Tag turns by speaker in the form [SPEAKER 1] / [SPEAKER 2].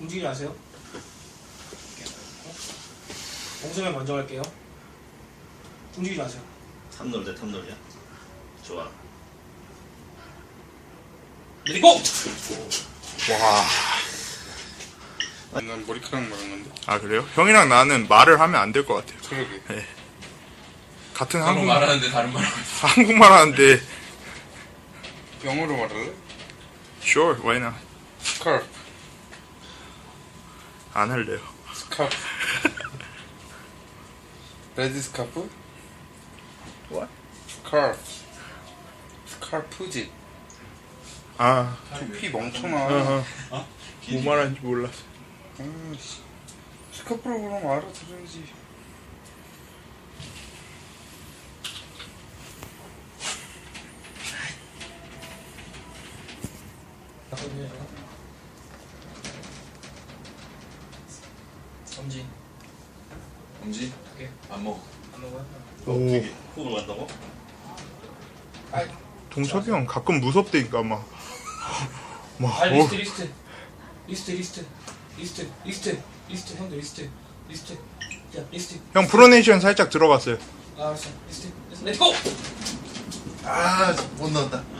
[SPEAKER 1] 움직이지 마세요. 공수면 먼저 갈게요. 움직이지 마세요.
[SPEAKER 2] 탑놀 대 탑놀이야? 좋아.
[SPEAKER 1] 내리고!
[SPEAKER 3] 와.
[SPEAKER 4] 난 머리카락 말한 건데.
[SPEAKER 3] 아 그래요? 형이랑 나는 말을 하면 안 될 것 같아요.
[SPEAKER 4] 그러게.
[SPEAKER 3] 네. 같은
[SPEAKER 5] 서로
[SPEAKER 3] 한국말
[SPEAKER 5] 말하는데 다른 말 하고 있어.
[SPEAKER 3] 한국말 하는데
[SPEAKER 4] 영어로 말할래?
[SPEAKER 3] sure why not
[SPEAKER 4] 스카프.
[SPEAKER 3] 안 할래요.
[SPEAKER 4] 스카프. 레드 스카프?
[SPEAKER 3] What?
[SPEAKER 4] 스카프. 스카프지.
[SPEAKER 3] 아
[SPEAKER 4] 두피 멍청아.
[SPEAKER 3] 뭐 말하는지 몰랐어.
[SPEAKER 4] 씨. 스카프로 그러면 알아들어야지.
[SPEAKER 1] 잠깐만요. 엄지.
[SPEAKER 5] 엄지?
[SPEAKER 1] 오케이.
[SPEAKER 5] 안 먹어.
[SPEAKER 1] 안 먹어요?
[SPEAKER 3] 오
[SPEAKER 2] 훅으로 간다고?
[SPEAKER 1] 아이,
[SPEAKER 3] 동섭이 형 가끔 무섭다니까 막
[SPEAKER 1] 아 리스트. 형들 리스트. 자 리스트.
[SPEAKER 3] 형 프로네이션 살짝 들어갔어요.
[SPEAKER 1] 알았어. 리스트. 렛츠고!
[SPEAKER 2] 아, 못 넣었다.